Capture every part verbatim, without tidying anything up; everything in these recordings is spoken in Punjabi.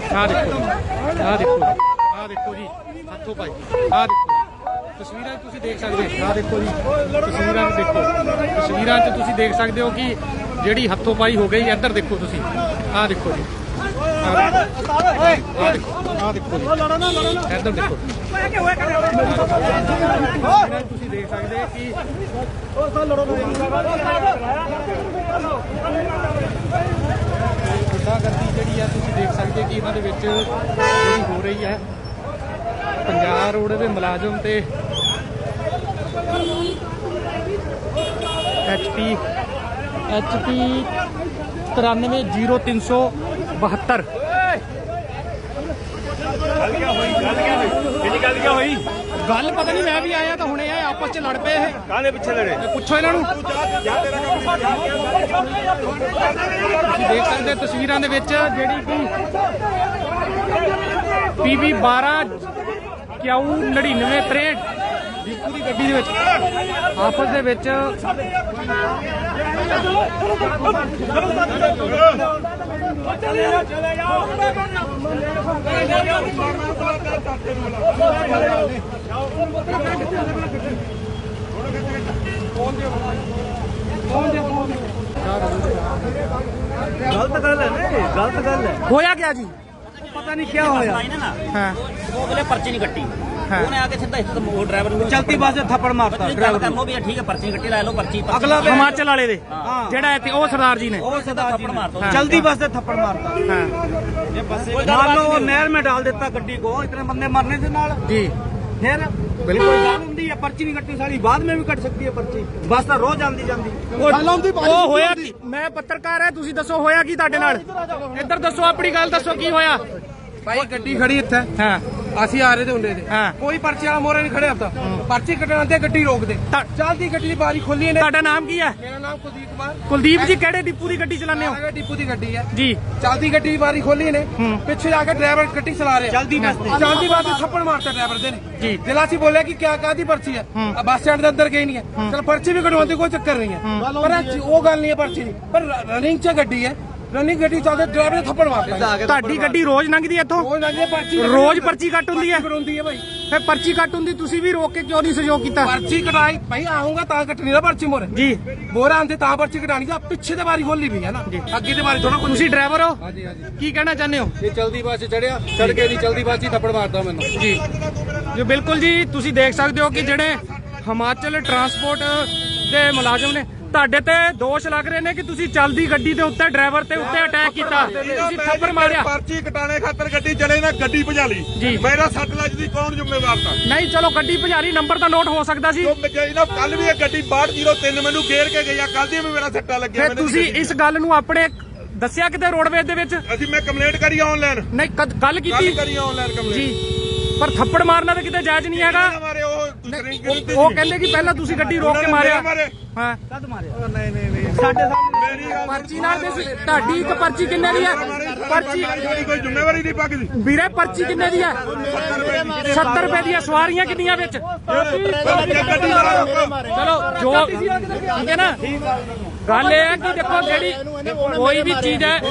ਆ ਦੇਖੋ ਆ ਦੇਖੋ ਆ ਦੇਖੋ ਜੀ ਹੱਥੋਂ ਪਾਈ ਆ ਦੇਖੋ ਤਸਵੀਰਾਂ 'ਚ ਤੁਸੀਂ ਦੇਖ ਸਕਦੇ ਹੋ ਆ ਦੇਖੋ ਜੀ ਤਸਵੀਰਾਂ 'ਚ ਦੇਖੋ ਤਸਵੀਰਾਂ 'ਚ ਤੁਸੀਂ ਦੇਖ ਸਕਦੇ ਹੋ ਕਿ ਜਿਹੜੀ ਹੱਥੋਂ ਪਾਈ ਹੋ ਗਈ ਇੱਧਰ ਦੇਖੋ ਤੁਸੀਂ ਆ ਦੇਖੋ ਜੀ ਆ ਦੇਖੋ ਆ ਦੇਖੋ ਜੀ ਇੱਧਰ ਦੇਖੋ ਤੁਸੀਂ ਦੇਖ ਸਕਦੇ ਕਿ ਗੁੰਡਾਗਰਦੀ ਜਿਹੜੀ ਹੈ ਤੁਸੀਂ ਦੇਖ ਸਕਦੇ ਕਿ ਇਹਨਾਂ ਦੇ ਵਿੱਚ ਜਿਹੜੀ ਹੋ ਰਹੀ ਹੈ ਪੰਜਾਬ ਰੋਡ ਦੇ ਮੁਲਾਜ਼ਮ ਤੇ ਐਚ ਪੀ ਐਚ ਪੀ ਤਰਾਨਵੇਂ ਜ਼ੀਰੋ ਤਿੰਨ ਸੌ ਬਹੱਤਰ ਗੱਲ ਪਤਾ ਨਹੀਂ ਮੈਂ ਵੀ ਆਇਆ ਤਾਂ ਹੁਣੇ ਆਏ ਆਪਸ ਚ ਲੜ ਪਏ ਇਹ ਕਾਹਦੇ ਪਿੱਛੇ ਲੜੇ ਪੁੱਛੋ ਇਹਨਾਂ ਨੂੰ ਤੁਸੀਂ ਦੇਖ ਸਕਦੇ ਤਸਵੀਰਾਂ ਦੇ ਵਿੱਚ ਜਿਹੜੀ ਕਿ ਪੀ ਵੀ ਬਾਰਾਂ ਕਿਊ ਨੜਿਨਵੇਂ ਤਰੇਹਠ ਦੀਪੂ ਦੀ ਗੱਡੀ ਦੇ ਵਿੱਚ ਆਪਸ ਦੇ ਵਿੱਚ गलत गल है ना गलत गल है होया क्या जी पता नहीं क्या होया हाँ वो बोले पर्ची नहीं कट्टी उन्होंने आके सीधा वो ड्राइवर को चलती बस से थप्पड़ मारता ड्राइवर कर लो भी ठीक है पर्ची कट्टी ला लो पर्ची अगला हिमाचल वाले दे जेड़ा इत्थे ओ सरदार जी ने वो सरदार जी थप्पड़ मारता जल्दी बस से थप्पड़ मारता हाँ मान लो वो नहर में डाल देता गड्डी को इतने बंदे मरने से नाल जी फिर बिल्कुल गल हुंदी है पर्ची नहीं कट्टी सारी बाद में भी कट सकती है पर्ची बस तो रोज आंदी जांदी ਉਹ ਹੋਇਆ ਕੀ ਮੈਂ ਪੱਤਰਕਾਰ ਹੈ ਤੁਸੀਂ ਦੱਸੋ ਹੋਇਆ ਕੀ ਤੁਹਾਡੇ ਨਾਲ ਇੱਧਰ ਦੱਸੋ ਆਪਣੀ ਗੱਲ ਦੱਸੋ ਕੀ ਹੋਇਆ ਭਾਈ ਗੱਡੀ ਖੜੀ ਇੱਥੇ ਹਾਂ ਅਸੀਂ ਆ ਰਹੇ ਤੇ ਹੁੰਦੇ ਤੇ ਹਾਂ ਕੋਈ ਪਰਚੀ ਵਾਲਾ ਮੋਰੇ ਨਹੀਂ ਖੜਿਆ ਹੁੰਦਾ ਪਰਚੀ ਕੱਟਣ ਤੇ ਗੱਡੀ ਰੋਕ ਦੇ ਚੱਲਦੀ ਗੱਡੀ ਦੀ ਬਾਰੀ ਖੋਲੀ ਨੇ ਤੁਹਾਡਾ ਨਾਮ ਕੀ ਹੈ ਮੇਰਾ ਨਾਮ ਕੁਲਦੀਪ ਕੁਮਾਰ ਕੁਲਦੀਪ ਜੀ ਕਿਹੜੇ ਡਿਪੂ ਦੀ ਗੱਡੀ ਚਲਾਉਂਦੇ ਹੋ ਆਗੇ ਡਿਪੂ ਦੀ ਗੱਡੀ ਹੈ ਜੀ ਚੱਲਦੀ ਗੱਡੀ ਦੀ ਬਾਰੀ ਖੋਲੀ ਨੇ ਪਿੱਛੇ ਜਾ ਕੇ ਡਰਾਈਵਰ ਗੱਡੀ ਚਲਾ ਰਿਹਾ जल्दी बस ਚੱਲਦੀ ਬਾਤ ਤੇ ਥੱਪੜ ਮਾਰਤਾ ਡਰਾਈਵਰ ਦੇ ਨੇ ਜੀ ਦਿਲਾ ਸੀ ਬੋਲਿਆ ਕਿ ਕਿਆ ਕਾਦੀ ਪਰਚੀ ਹੈ ਆ ਬੱਸ ਸਟੈਂਡ ਦੇ ਅੰਦਰ ਗਈ ਨਹੀਂ ਹੈ ਚਲ ਪਰਚੀ ਵੀ ਕਢਵਾਉਣ ਦੀ ਕੋਈ ਚੱਕਰ ਨਹੀਂ ਹੈ ਪਰ ਉਹ ਗੱਲ ਨਹੀਂ ਹੈ ਪਰਚੀ ਦੀ ਪਰ ਰਨਿੰਗ 'ਚ ਗੱਡੀ ਹੈ ਰਨਿੰਗ ਗੱਡੀ ਚੱਲਦੇ ਡਰਾਈਵਰ ਨੇ ਥੱਪੜ ਮਾਰਤਾ ਤੁਹਾਡੀ ਗੱਡੀ ਰੋਜ਼ ਲੰਘਦੀ ਹੈ ਇੱਥੋਂ ਉਹ ਲੰਘੇ ਪਰਚੀ ਰੋਜ਼ ਪਰਚੀ ਕੱਟ ਹੁੰਦੀ ਹੈ ਕਢਾਉਂਦੀ ਹੈ ਭਾਈ ਫਿਰ ਪਰਚੀ ਕੱਟ ਹੁੰਦੀ ਤੁਸੀਂ ਵੀ ਰੋਕ ਕੇ ਕਿਉਂ ਨਹੀਂ ਸਹਿਯੋਗ ਕੀਤਾ ਪਰਚੀ ਕਟਾਈ ਭਾਈ ਆਉਂਗਾ ਤਾਂ ਕੱਟਣੀ ਨਾ ਪਰਚੀ ਮੋਰੇ ਜੀ ਮੋਰਾ ਆਂਦੇ ਤਾਂ ਪਰਚੀ ਕਟਾਣੀ ਦਾ ਪਿੱਛੇ ਤੇ ਬਾਰੀ ਖੋਲੀ ਵੀ ਹੈ ਨਾ ਅੱਗੇ ਤੇ ਬਾਰੀ ਥੋੜਾ ਕੋਈ ਤੁਸੀਂ ਡਰਾਈਵਰ ਹੋ ਹਾਂਜੀ ਹਾਂਜੀ ਕੀ ਕਹਿਣਾ ਚਾਹੁੰਦੇ ਹੋ ਇਹ ਚਲਦੀ ਬੱਸ ਚੜਿਆ ਸੜਕੇ ਦੀ ਚਲਦੀ ਬੱਸ ਹੀ ਥੱਪੜ ਮਾਰਦਾ ਮੈਨੂੰ ਜੀ ਜੋ ਬਿਲਕੁਲ ਜੀ ਤੁਸੀਂ ਦੇਖ ਸਕਦੇ ਹੋ ਕਿ ਜਿਹੜੇ ਹਿਮਾਚਲ ਟਰਾਂਸਪੋਰਟ ਦੇ ਮੁਲਾਜ਼ਮ ਨੇ ਤੁਹਾਡੇ ਤੇ ਦੋਸ਼ ਲੱਗ ਰਹੇ ਨੇ ਕਿ ਤੁਸੀਂ ਚੱਲਦੀ ਗੱਡੀ ਦੇ ਉੱਤੇ ਡਰਾਈਵਰ ਤੇ ਉੱਤੇ ਅਟੈਕ ਕੀਤਾ ਤੁਸੀਂ ਥੱਪੜ ਮਾਰਿਆ ਪਰਚੀ ਕਟਾਣੇ ਖਾਤਰ ਗੱਡੀ ਚਲੇ ਨਾ ਗੱਡੀ ਭਜਾ ਲਈ ਜੀ ਮੇਰਾ ਸੱਟ ਲੱਜਦੀ ਕੌਣ ਜ਼ਿੰਮੇਵਾਰ ਤਾਂ ਨਹੀਂ ਚਲੋ ਗੱਡੀ ਭਜਾਰੀ ਨੰਬਰ ਤਾਂ ਨੋਟ ਹੋ ਸਕਦਾ ਸੀ ਨਾ ਕੱਲ ਵੀ ਇਹ ਗੱਡੀ ਬਾਹਠ ਜ਼ੀਰੋ ਤਿੰਨ ਮੈਨੂੰ ਘੇਰ ਕੇ ਗਈ ਆ ਕੱਲ ਦੀ ਵੀ ਮੇਰਾ ਸੱਟਾ ਲੱਗਿਆ ਫਿਰ ਤੁਸੀਂ ਇਸ ਗੱਲ ਨੂੰ ਆਪਣੇ ਦੱਸਿਆ ਕਿਤੇ ਰੋਡਵੇਜ਼ ਦੇ ਵਿੱਚ ਅਸੀਂ ਮੈਂ ਕੰਪਲੇਂਟ ਕਰੀ ਆਨਲਾਈਨ ਨਹੀਂ ਕਦ- ਗੱਲ ਕੀਤੀ ਕਰੀ ਆਨਲਾਈਨ ਕੰਪਲੇਂਟ ਜੀ ਪਰ ਥੱਪੜ ਮਾਰਨਾ ਤਾਂ ਕਿਤੇ ਜਾਇਜ਼ ਨਹੀਂ ਹੈਗਾ ਮਾਰੇ ਉਹ ਦੂਸਰੀ ਉਹ- ਉਹ ਕਹਿੰਦੇ ਕਿ ਪਹਿਲਾਂ ਤੁਸੀਂ ਗੱਡੀ ਰੋਕ ਕੇ ਮਾਰਿਆ ਹਾਂ कद मारे नहीं नहीं नहीं साढ़े सामने ਮੇਰੀ ਗੱਲ ਪਰਚੀ ਨਾਲ ਦੇ ਤੁਹਾਡੀ ਇੱਕ ਪਰਚੀ ਕਿੰਨੇ ਦੀ ਹੈ ਪਰਚੀ ਸਾਡੀ ਕੋਈ ਜ਼ਿੰਮੇਵਾਰੀ ਨਹੀਂ ਪੱਕਦੀ ਵੀਰੇ ਪਰਚੀ ਕਿੰਨੇ ਦੀ ਹੈ ਸੱਤਰ ਰੁਪਏ ਦੀਆਂ ਸਵਾਰੀਆਂ ਕਿੰਨੀਆਂ ਵਿੱਚ ਗੱਡੀ ਵਾਲਾ ਰੋਕੋ ਚਲੋ ਜੋ ਠੀਕ ਹੈ ਨਾ ਗੱਲ ਇਹ ਹੈ ਕਿ ਦੇਖੋ ਜਿਹੜੀ ਕੋਈ ਵੀ ਚੀਜ਼ ਹੈ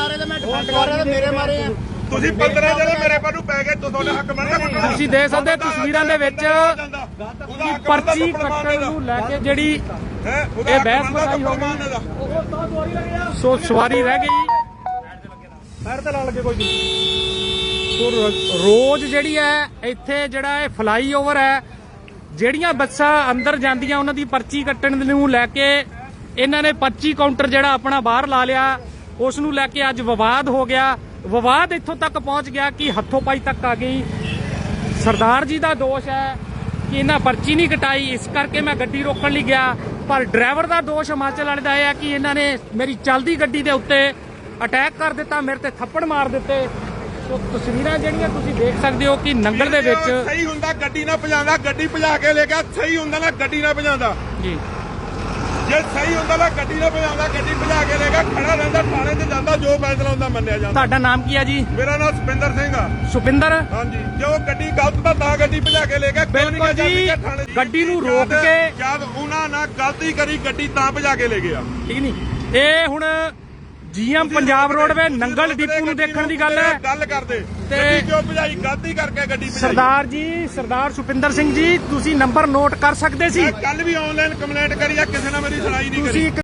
ਤੁਸੀਂ ਪੰਦਰਾਂ ਜਣੇ ਮੇਰੇ ਪਾ ਨੂੰ ਪੈ ਗਏ ਤੁਹਾਡੇ ਹੱਕ ਬਣਦਾ ਤੁਸੀਂ ਦੇਖ ਸਕਦੇ ਤਸਵੀਰਾਂ ਦੇ ਵਿੱਚ ਕਿ ਪਰਚੀ ਕੱਟਣ ਨੂੰ ਲੈ ਕੇ ਜਿਹੜੀ ਇਹ ਬਹਿਸ ਬਸਾਈ ਹੋ ਗਈ ਸੋ ਸਵਾਰੀ ਰਹਿ ਗਈ पैर तो ला लगे कोई ਸੋ ਰ- ਰੋਜ਼ ਜਿਹੜੀ ਹੈ ਇੱਥੇ ਜਿਹੜਾ ਇਹ ਫਲਾਈਓਵਰ ਹੈ ਜਿਹੜੀਆਂ ਬੱਸਾਂ ਅੰਦਰ ਜਾਂਦੀਆਂ ਉਹਨਾਂ ਦੀ ਪਰਚੀ ਕੱਟਣ ਨੂੰ ਲੈ ਕੇ ਇਹਨਾਂ ਨੇ ਪਰਚੀ ਕਾਊਂਟਰ ਜਿਹੜਾ ਆਪਣਾ ਬਾਹਰ ਲਾ ਲਿਆ ਉਸ ਨੂੰ ਲੈ ਕੇ ਅੱਜ ਵਿਵਾਦ ਹੋ ਗਿਆ ਵਿਵਾਦ ਇੱਥੋਂ ਤੱਕ ਪਹੁੰਚ ਗਿਆ ਕਿ ਹੱਥੋਂ ਪਾਈ ਤੱਕ ਆ ਗਈ ਸਰਦਾਰ ਜੀ ਦਾ ਦੋਸ਼ ਹੈ ਕਿ ਇਹਨਾਂ ਪਰਚੀ ਨਹੀਂ ਕਟਾਈ ਇਸ ਕਰਕੇ ਮੈਂ ਗੱਡੀ ਰੋਕਣ ਲਈ ਗਿਆ ਪਰ ਡਰਾਈਵਰ ਦਾ ਦੋਸ਼ ਹਿਮਾਚਲ ਵਾਲੇ ਦਾ ਇਹ ਹੈ ਕਿ ਇਹਨਾਂ ਨੇ ਮੇਰੀ ਚੱਲਦੀ ਗੱਡੀ ਦੇ ਉੱਤੇ ਅਟੈਕ ਕਰ ਦਿੱਤਾ ਮੇਰੇ ਤੇ ਥੱਪੜ ਮਾਰ ਦਿੱਤੇ ਸੋ ਤਸਵੀਰਾਂ ਜਿਹੜੀਆਂ ਤੁਸੀਂ ਦੇਖ ਸਕਦੇ ਹੋ ਕਿ ਨੰਗਲ ਦੇ ਵਿੱਚ ਸਹੀ ਹੁੰਦਾ ਗੱਡੀ ਨਾ ਭਜਾਉਂਦਾ ਗੱਡੀ ਭਜਾ ਕੇ ਲੈ ਗਿਆ ਸਹੀ ਹੁੰਦਾ ਨਾ ਗੱਡੀ ਨਾ ਭਜਾਉਂਦਾ ਜੀ ਜੇ ਸਹੀ ਹੁੰਦਾ ਨਾ ਗੱਡੀ ਨਾ ਭਜਾਉਂਦਾ ਗੱਡੀ ਭਜਾ ਕੇ ਲੈ ਗਿਆ ਖੜਾ ਰਹਿੰਦਾ ਥਾਣੇ ਤੇ ਜਾਂਦਾ ਜੋ ਫੈਸਲਾ ਹੁੰਦਾ ਮੰਨਿਆ ਜਾਂਦਾ ਤੁਹਾਡਾ ਨਾਮ ਕੀ ਹੈ ਜੀ ਮੇਰਾ ਨਾਮ ਸੁਪਿੰਦਰ ਸਿੰਘ ਆ ਸੁਪਿੰਦਰ ਹਾਂਜੀ ਜੇ ਉਹ ਗੱਡੀ ਗਲਤ ਤਾਂ ਤਾਂ ਗੱਡੀ ਭਜਾ ਕੇ ਲੈ ਗਿਆ ਕਿਉਂ ਨਹੀਂ ਬਿਲਕੁਲ ਜਾਂਦੀ ਜੀ ਕਿ ਥਾਣੇ ਦੀ? ਗੱਡੀ ਨੂੰ ਰੋਕ ਜਦ- ਕੇ ਜਦ ਉਹਨਾਂ ਨਾਲ ਗਲਤੀ ਕਰੀ ਗੱਡੀ ਤਾਂ ਭਜਾ ਕੇ ਲੈ ਗਿਆ ਠੀਕ ਨਹੀਂ ਇਹ ਹੁਣ GM Punjab roadway Nangal depot ਨੂੰ ਦੇਖਣ ਦੀ ਗੱਲ ਹੈ। ਗੱਲ ਕਰਦੇ ਤੇ ਗੱਡੀ ਕਿਉਂ ਭਜਾਈ? ਗਲਤੀ ਕਰਕੇ ਗੱਡੀ ਭਜਾਈ। ਸਰਦਾਰ ਜੀ, ਸਰਦਾਰ ਸੁਪਿੰਦਰ ਸਿੰਘ ਜੀ, ਤੁਸੀਂ ਨੰਬਰ ਨੋਟ ਕਰ ਸਕਦੇ ਸੀ। ਕੱਲ ਵੀ ਆਨਲਾਈਨ ਕੰਪਲੇਂਟ ਕਰੀ ਆ, ਕਿਸੇ ਨੇ ਮੇਰੀ ਸੁਣਾਈ ਨਹੀਂ ਕਰੀ। ਤੁਸੀਂ ਇੱਕ